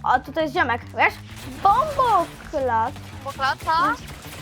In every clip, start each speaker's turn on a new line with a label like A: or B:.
A: O, tutaj jest ziomek, wiesz? Bomboklat.
B: Boklata?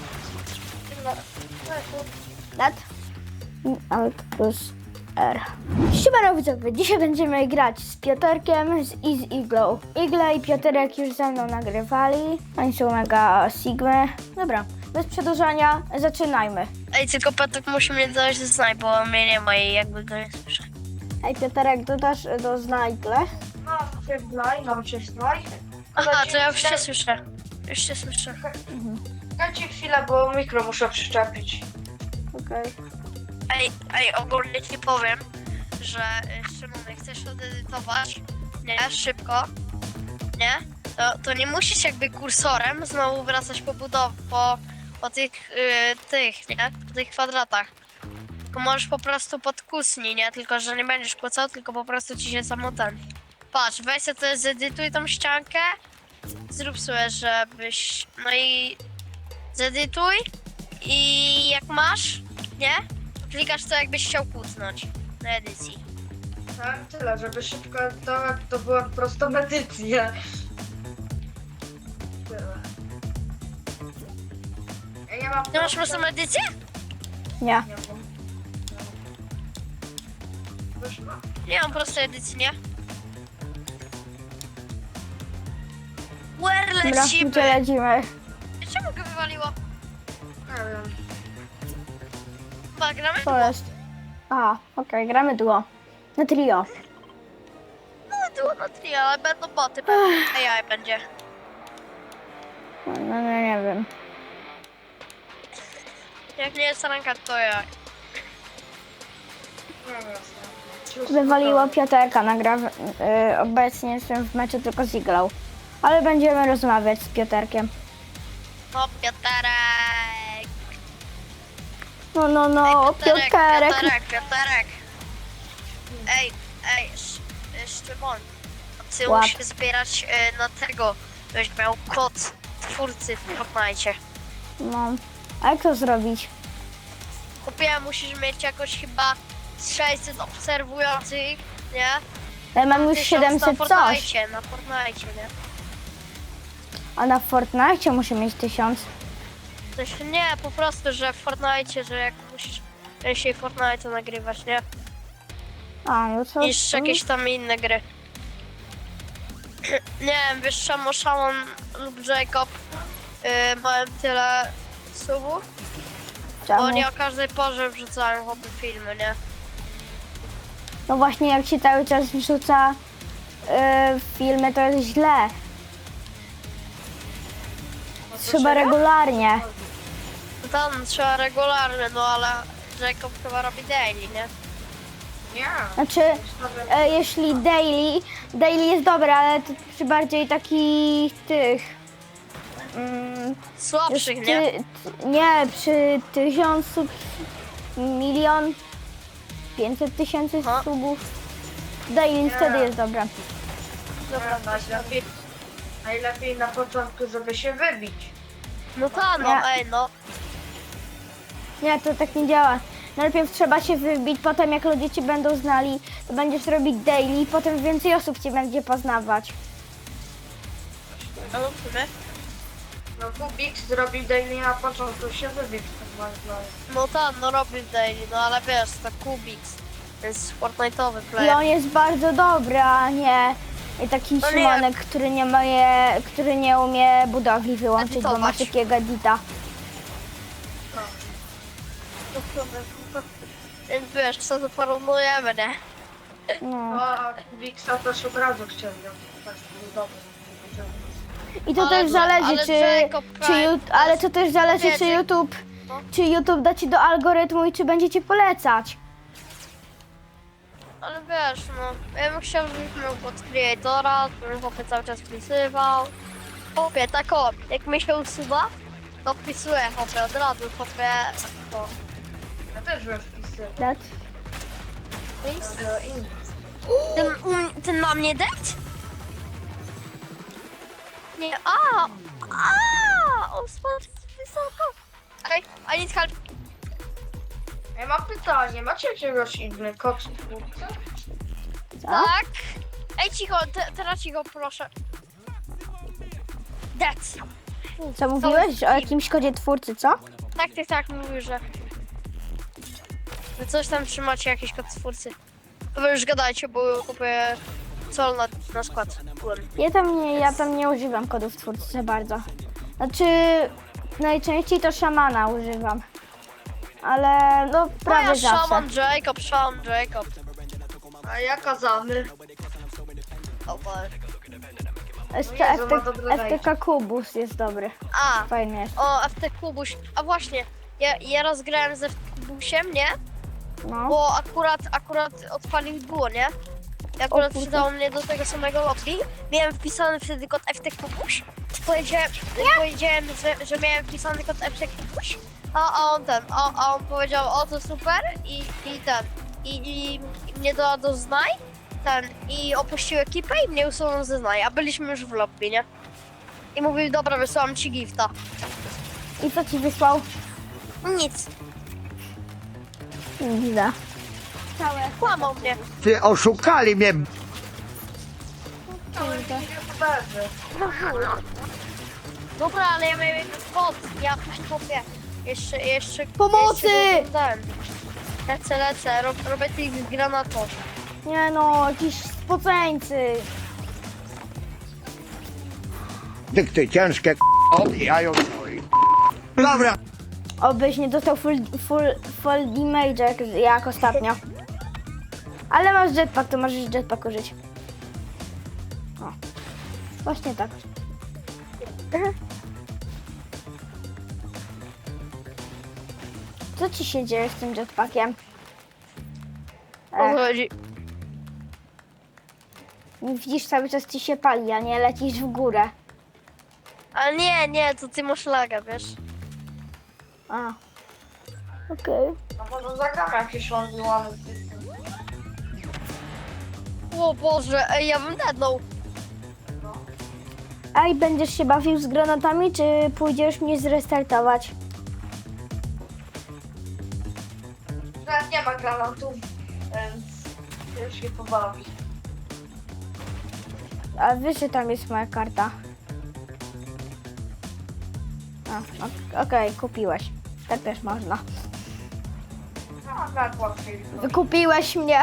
A: Lat. Alt plus R. Siemano widzowie, dzisiaj będziemy grać z Piotrkiem i z Iglą. Igla i Piotrek już ze mną nagrywali. Oni są mega sigmy. Dobra, bez przedłużania, zaczynajmy.
B: Ej, tylko Piotrek musi mnie dodać do znaj, bo mnie nie ma i jakby go nie słyszę.
A: Ej, Piotrek, dodasz do znajgle?
C: Mam się znaj.
B: Aha, to ja już cię słyszę. Już cię słyszę.
C: Dajcie chwilę, bo mikro muszę przyczepić.
A: Okej.
B: Ej, ogólnie ci powiem, że Szymon, jak chcesz odedytować, nie, szybko, nie, to nie musisz jakby kursorem znowu wracać po tych, nie, po tych kwadratach. Tylko możesz po prostu podkusnij, nie, tylko że nie będziesz kłócał, tylko po prostu ci się samo ten. Patrz, weź sobie to, zedytuj tą ściankę, zrób sobie, żebyś, no i zedytuj i jak masz, nie, klikasz to jakbyś chciał kucnąć na edycji.
C: Tak, tyle, żeby szybko to była po prostu medycja. Tyle. Ja mam...
B: Ty masz prostą edycję?
A: Nie.
C: Nie mam. Już mam.
B: Nie mam prostej edycji, nie? Where
A: Dobra,
B: lecimy?
A: gdzie lecimy?
B: Czemu go wywaliło?
C: Nie wiem.
B: Chyba gramy?
A: Co jest? Aha, okej, gramy duo. Na trio.
B: No, było na trio, ale będą boty, pewnie. AI będzie.
A: No, nie wiem.
B: Jak nie jest ranka, to ja.
C: Nie wiem.
A: Wywaliło Piotrka, obecnie jestem w meczu tylko z Iglą. Ale będziemy rozmawiać z Piotrkiem.
B: O, Piotrek!
A: No, Piotrek.
B: Piotrek! Ej, Szymon, ty
A: Łap.
B: musisz zbierać na tego, żebyś miał kod twórcy w Fortnite.
A: No, a jak to zrobić?
B: Kupiłem, musisz mieć jakoś chyba 600 obserwujących, nie?
A: Ja mam już
B: 1000
A: 700
B: na
A: coś.
B: Fortnite, nie?
A: A na Fortnite muszę mieć 1000.
B: Znaczy nie, po prostu, że w Fortnite, że jak musisz częściej Fortnite nagrywać, nie?
A: A, no to...
B: Niż jakieś tam inne gry. Nie wiem, wiesz czemu Szamon lub Jacob mają tyle subów? Bo
A: Czemu?
B: oni o każdej porze wrzucają chłopy filmy, nie?
A: No właśnie, jak się cały czas wrzuca filmy, to jest źle. Trzeba regularnie.
B: No tam trzeba regularnie, no ale Jacob chyba robi daily, nie?
C: Nie.
A: Znaczy, jeśli daily jest dobre, ale to przy bardziej takich tych...
B: Słabszych, nie?
A: Nie, przy 1000 milion 500 tysięcy
B: Aha.
A: subów. Daily wtedy jest dobre.
C: Dobra, najlepiej na początku, żeby się wybić.
B: No tak, no
A: Nie.
B: ej, no.
A: Nie, to tak nie działa. Najpierw trzeba się wybić, potem jak ludzie cię będą znali, to będziesz robić daily, potem więcej osób cię będzie poznawać.
B: No w sumie.
C: No Kubik zrobił daily na początku, się wybić.
B: No tak, no robi daily, no ale wiesz, to Kubix. To jest Fortnite'owy
A: I
B: player.
A: on jest bardzo dobry, a nie taki
B: No nie.
A: Szymonek, który nie umie budowli wyłączyć, bo ma
B: Edytować.
A: takiego edita.
B: No w sumie. Więc wiesz, co to porównujemy, nie?
A: No.
C: A Kubiksa też od razu chciał ją. Tak, był dobry.
A: I to
B: Ale
A: też
B: no,
A: zależy,
B: ale
A: czy,
B: Jacob
A: czy
B: Prime
A: ju- ale to też zależy, czy
B: powiedzmy-
A: YouTube,
B: No.
A: czy YouTube da ci do algorytmu i czy będzie ci polecać.
B: Ale wiesz, no, ja bym chciał, żebyś miał pod creatora, żebym chłopie cały czas wpisywał. Chłopie, tak o, jak mi się usuwa, to wpisuję chłopie od razu, chłopie, to.
C: Ja też bym wpisywał.
A: Tak?
C: Ale inny.
B: Ten na mnie dać? Nie, on spadł wysoko. Ej, I need help.
C: Ja mam pytanie, macie jakiegoś inny kod twórcy?
A: Co?
B: Tak. Ej, cicho, teraz cicho, proszę. That's.
A: Co mówiłeś o jakimś kodzie twórcy, co?
B: Tak, mówił, że coś tam trzymacie, jakiś kod twórcy. Wy już gadajcie, bo kupuję sol na skład.
A: Ja tam nie używam kodów twórcy za bardzo. Znaczy, najczęściej to szamana używam. Ale no prawie zawsze.
B: Shaman Jacob.
C: A ja kazany.
B: O Boże.
C: Jezu, ma dobre
A: FTK Kubus jest dobry.
B: A,
A: Fajny jest.
B: o FT Kubuś. A właśnie, ja raz grałem ze FT Kubusiem, nie?
A: No.
B: Bo akurat odpalił duo, nie? I akurat
A: kurde.
B: przydało mnie do tego samego lobby. Miałem wpisany wtedy kod FT Kubuś. Powiedziałem, że miałem wpisany kod FT Kubuś. A on powiedział, o to super i mnie dodał do znaj, i opuścił ekipę i mnie usunął ze znaj, a byliśmy już w lobby, nie? I mówił, dobra, wysyłam ci gifta.
A: I co ci wysłał?
B: Nic,
A: Widzę.
B: kłamał mnie.
D: Ty oszukali mnie.
C: YouTuberzy.
B: Dobra, ale ja miałem kod, ja kupię. Jeszcze...
A: Pomocy!
B: Jeszcze dodałem. Lecę, robię tych granatów.
A: Nie no, jakiś spoceńcy.
D: Ty ciężkie odbijają. Dobra.
A: Obyś nie dostał full damage jak ostatnio. Ale masz jetpack, to możesz jetpack użyć. O. Właśnie tak. Co ci się dzieje z tym jetpackiem?
B: O co chodzi?
A: Widzisz, cały czas ci się pali, a nie lecisz w górę.
B: Ale nie, to ty masz laga, wiesz?
A: A. Okej.
C: No może zagram jakieś lądowane.
B: O Boże, ej, ja bym dednął.
A: A i będziesz się bawił z granatami, czy pójdziesz mnie zrestartować?
C: Teraz nie ma granatów, więc już się pobawi.
A: A wiesz, że tam jest moja karta. Okej, kupiłeś. Tak też można.
C: No, tak łatwiej.
A: Wykupiłeś mnie.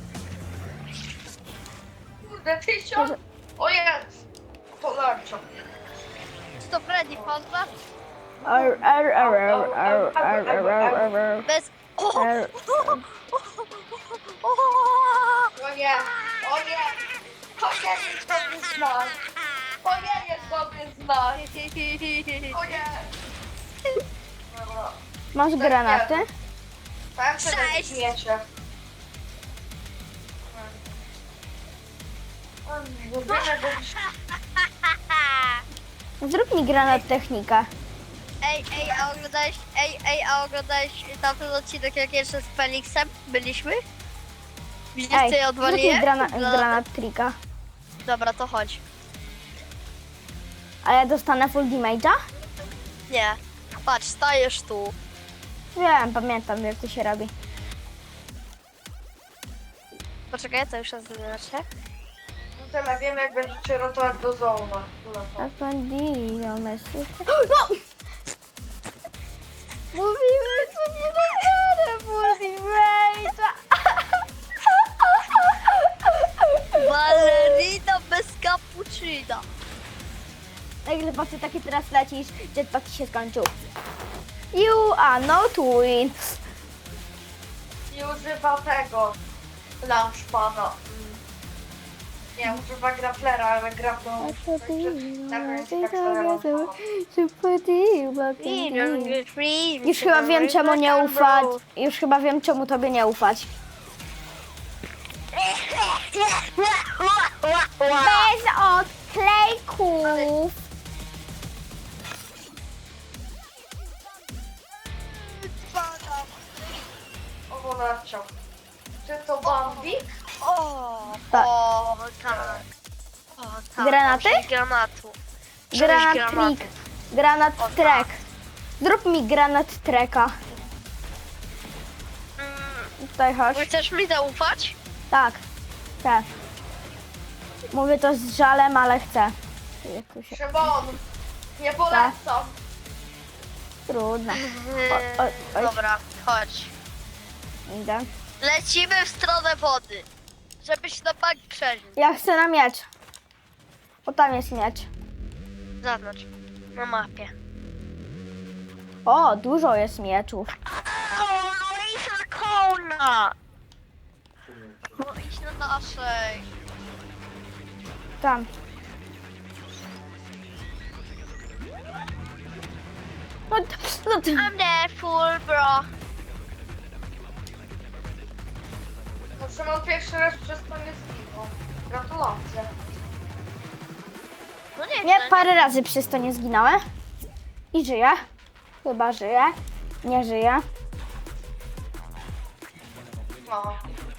C: Kurde, 1000? O jest! To larcza.
B: Czy to Freddy Fazbear? Bez... O!
C: O nie! O nie! To nie jest dobry znak! To nie jest dobry znak! O nie! Dobra.
A: Masz granaty?
C: Powiem, że
B: Cześć.
C: śmiecie.
A: Zrób mi granat technika.
B: A oglądałeś tamten odcinek, jak jeszcze z Felixem byliśmy? Widzisz,
A: Ej,
B: co ja
A: zrób mi
B: odwaliłem?
A: granat trika.
B: Dobra, to chodź.
A: A ja dostanę full damage'a?
B: Nie. Patrz, stajesz tu.
A: Wiem, pamiętam jak to się robi.
B: Poczekaj, to już raz zobaczę.
C: No tyle wiem, jak będziecie rotować do zona.
A: A bandido me susta. No! Mówimy, że nie dostanę full damage'a.
B: Ballerina bez cappuccina.
A: Nagle patrzę, takie teraz lecisz, jetpack ci się skończył. You are not win.
C: Nie używa tego launchpada. Nie, używa grapplera, ale grapplą...
A: Już chyba wiem, czemu nie ufać. Już chyba wiem, czemu tobie nie ufać. Bez odklejków.
C: O, narciał. Czy to Bambik?
B: O,
A: Tak.
B: o, tak. O, tak.
A: Granaty?
B: Sześć granatu.
A: Granat
B: Sześć
A: trik. Granat
B: O, tak.
A: trek. Zrób mi granat treka. Tutaj chodź.
B: Chcesz mi zaufać?
A: Tak. Chcę. Mówię to z żalem, ale chcę. Jak tu się...
C: Szymon, Nie polecam.
A: Trudno. Oj.
B: Dobra, chodź.
A: Idę.
B: Lecimy w stronę wody. Żebyś na bank przeżył.
A: Ja chcę na miecz. O, tam jest miecz.
B: Zaznacz. Na mapie.
A: O, dużo jest mieczów.
B: O, no idź na kona! No idź na naszej.
A: Tam. No,
B: I'm there, full bro.
C: No Szymon pierwszy raz przez to nie zginął. Gratulacje.
B: No nie,
A: nie, parę razy przez to nie zginąłem. I żyję. Chyba żyję. Nie żyję.
C: No.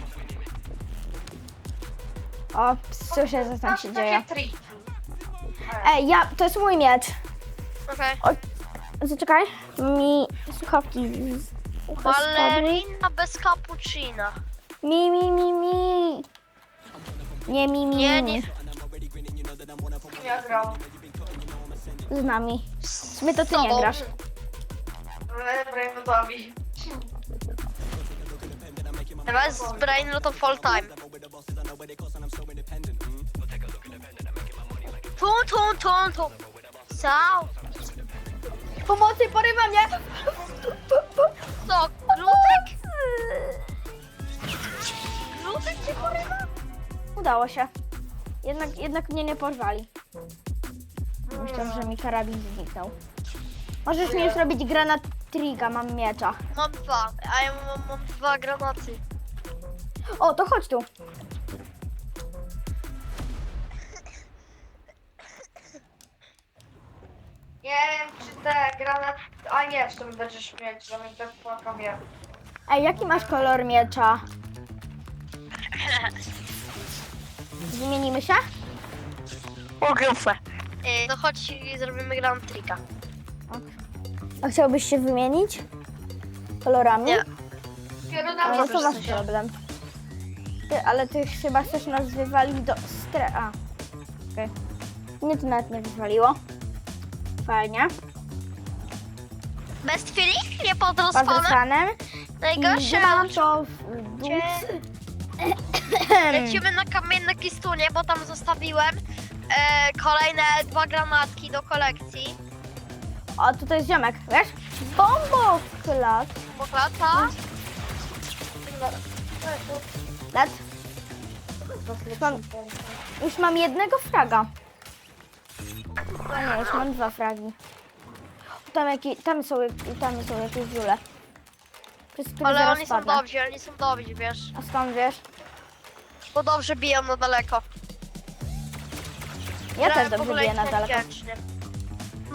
A: O, słyszę, co tam się dzieje.
C: Takie triki.
A: Ej, to jest mój miecz.
B: Okej.
A: Zaczekaj. Mi słuchawki z ucha spadły.
B: Ballerina bez cappuccina.
A: Mi. Nie,
B: Nie.
C: Ja grał.
A: Z nami. W sumie to ty nie
B: tobą.
A: grasz.
C: Brainotowi.
B: Teraz z Brain no to full time. Tum. Sao.
A: Pomocy, porywa mnie!
B: Co, glutek? Glutek cię porywa?
A: Udało się. Jednak mnie nie porwali. Myślałam, że mi karabin zniknął. Możesz mi już robić granat triga, mam miecza.
B: Mam dwa, a ja mam dwa granaty.
A: O, to chodź tu.
C: Nie wiem, czy te granaty... A nie, w tym będziesz mieć, że mi tak płakam.
A: Ej, jaki masz kolor miecza? Zmienimy się?
B: Ogromne. No chodź i zrobimy granat trika.
A: A chciałbyś się wymienić? Kolorami?
B: Nie.
C: Dopiero na
A: Ale
C: mnie
A: to masz
B: sensie.
A: problem. Ale ty chyba chcesz nas wywalić do A. Okej. Mnie to nawet nie wywaliło. Fajnie.
B: Best feeling? Nie
A: Pod
B: podrospanem?
A: ekranem.
B: Najgorsze
A: Mam to w dół.
B: Lecimy na kamienne kistunie, bo tam zostawiłem kolejne dwa granatki do kolekcji.
A: O, tutaj jest ziomek, wiesz? Bomboklat.
B: Poklata.
A: Lat. Już mam jednego fraga. A nie, już mam dwa fragi. Tam są jakieś żule. Przez które
B: Ale
A: zaraz
B: oni są
A: padnę.
B: dobrzy, wiesz.
A: A skąd wiesz?
B: Bo dobrze biją na daleko.
A: Ja też
B: Grałem w
A: dobrze
B: ogóle
A: biję na daleko.
B: inteligencznie. No.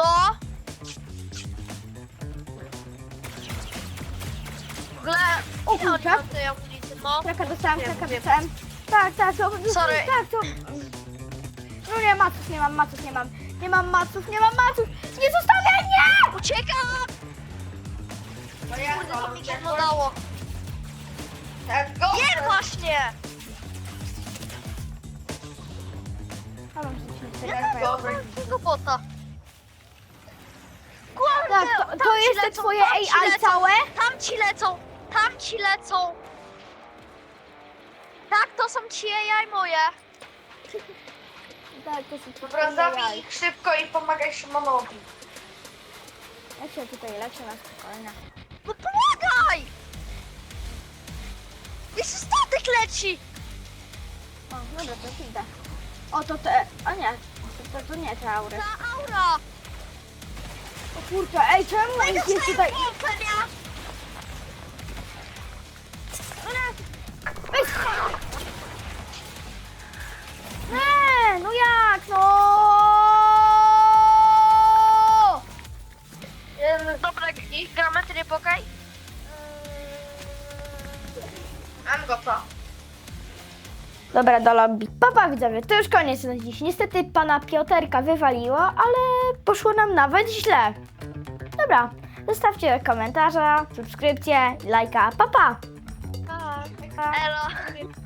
B: W ogóle...
A: O
B: ile oni
A: kurczę.
B: mają tej amunicji? No.
A: Kraka dostałem,
B: Wiem,
A: kraka
B: wiem.
A: dostałem. Tak, to...
B: Sorry.
A: Tak, to... No nie, maców nie mam. Nie mam maców. Nie zostawiaj mnie!
B: Uciekam!
C: No jak
B: Kurde, to
C: to?
B: mi gówno dało.
C: Let's go!
B: Nie, właśnie!
A: A mam coś nie
B: Ja
A: tego.
B: mam takiego bota.
A: Tak,
B: Kurde,
A: to jest te twoje AI całe?
B: Tam ci lecą. Tak, to są ci AI moje.
A: Tak, to są
C: Dobra,
A: twoje
C: zabij
A: AI.
C: ich szybko i pomagaj Szymonowi.
A: Ja się tutaj leczę na spokojnie.
B: No pomagaj! Jeszcze statek leci!
A: O, dobra, to idę. O, to te... A nie, to nie te aury.
B: Ta aura!
A: O kurczę, ej, czemu ich jest tutaj...
B: pompę, nie?
A: Weź! Nie, no jak, no!
B: Dobra, ich geometry pokaj.
C: Mam gotowa.
A: Dobra, do lobby. Papa widzowie, to już koniec na dziś. Niestety pana Pioterka wywaliło, ale poszło nam nawet źle. Dobra, zostawcie komentarza, subskrypcję, lajka. Papa!
B: Elo.